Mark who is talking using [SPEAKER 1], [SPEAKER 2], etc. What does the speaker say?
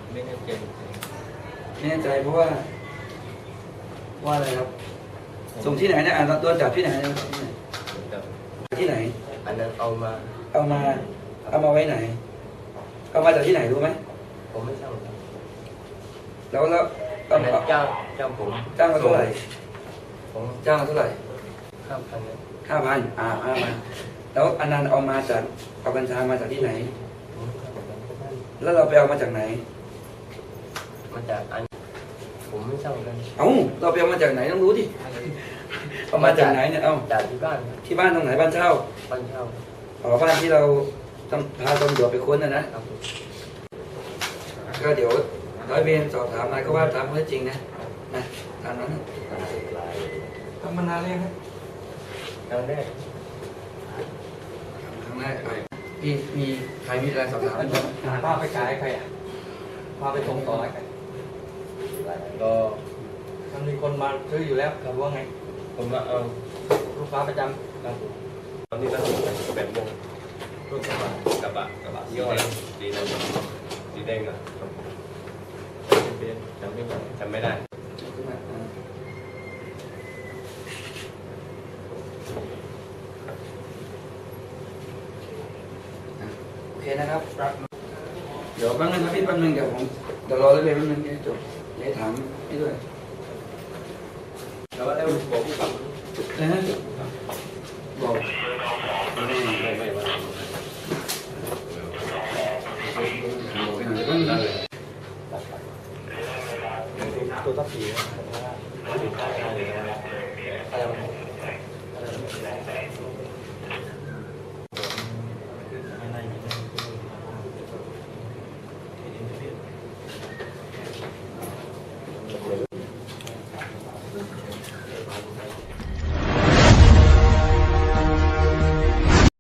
[SPEAKER 1] ไม่แน่ใจ
[SPEAKER 2] ไม่แน่ใจเพราะว่าอะไรครับส่งที่ไหนเนี่ยโดนจับที่ไหนนะครับที่ไหน
[SPEAKER 1] อันนั้นเอามา
[SPEAKER 2] ไว้ไหนเอามาจากที่ไหนรู้ไหม
[SPEAKER 1] ผมไม่ทราบ
[SPEAKER 2] แล้ว
[SPEAKER 1] อันนั้นจ้างผม
[SPEAKER 2] จ้างมาเท่าไหร่
[SPEAKER 1] ผม
[SPEAKER 2] จ้างมาเท่าไหร่
[SPEAKER 1] 5,000
[SPEAKER 2] แล้วอันนั้นเอามาจากเอากัญชามาจากที่ไหนแล้วเราไปเอามาจากไหน
[SPEAKER 1] มาจากอันผมไม่ทราบกัน
[SPEAKER 2] เราไปเอามาจากไหนต้องรู้ดิเอามาจากไหนเนี่ย
[SPEAKER 1] จากที่บ้าน
[SPEAKER 2] ตรงไหนบ้านเช่า
[SPEAKER 1] บ้าน
[SPEAKER 2] ที่เราต้องพาตำรวจไปค้นนะก็เดี๋ยวร้อยเวรสอบถามอะไรก็ว่าตามข้อเท็จจริงนะตามนั้นทำมานานเลยครับ
[SPEAKER 1] ครั้งแรก
[SPEAKER 2] พี่มีใครมีอะไรสอบถาม
[SPEAKER 3] พาไปขายใครพาไปส่งต่อใคร
[SPEAKER 1] ก็
[SPEAKER 3] มันมีคนมาซื้ออยู่แล้วหรือว่าไง
[SPEAKER 1] ผมมาเอา
[SPEAKER 3] ลูกค้าประจำ
[SPEAKER 1] ครับตอนนี้ตั้ง8 โมงรถกระบะยี่ห้อสีแดงอ่ะจำไม่ได้
[SPEAKER 2] โอเคนะครับเดี๋ยวแป๊บนึงครับพี่แป๊บนึงเดี๋ยวรอเลยแป๊บนึงจบเดี๋ยวถามให้ด้วย
[SPEAKER 1] แล้วบอกผู้กำกับ
[SPEAKER 2] บอก
[SPEAKER 3] ตัวตัดสี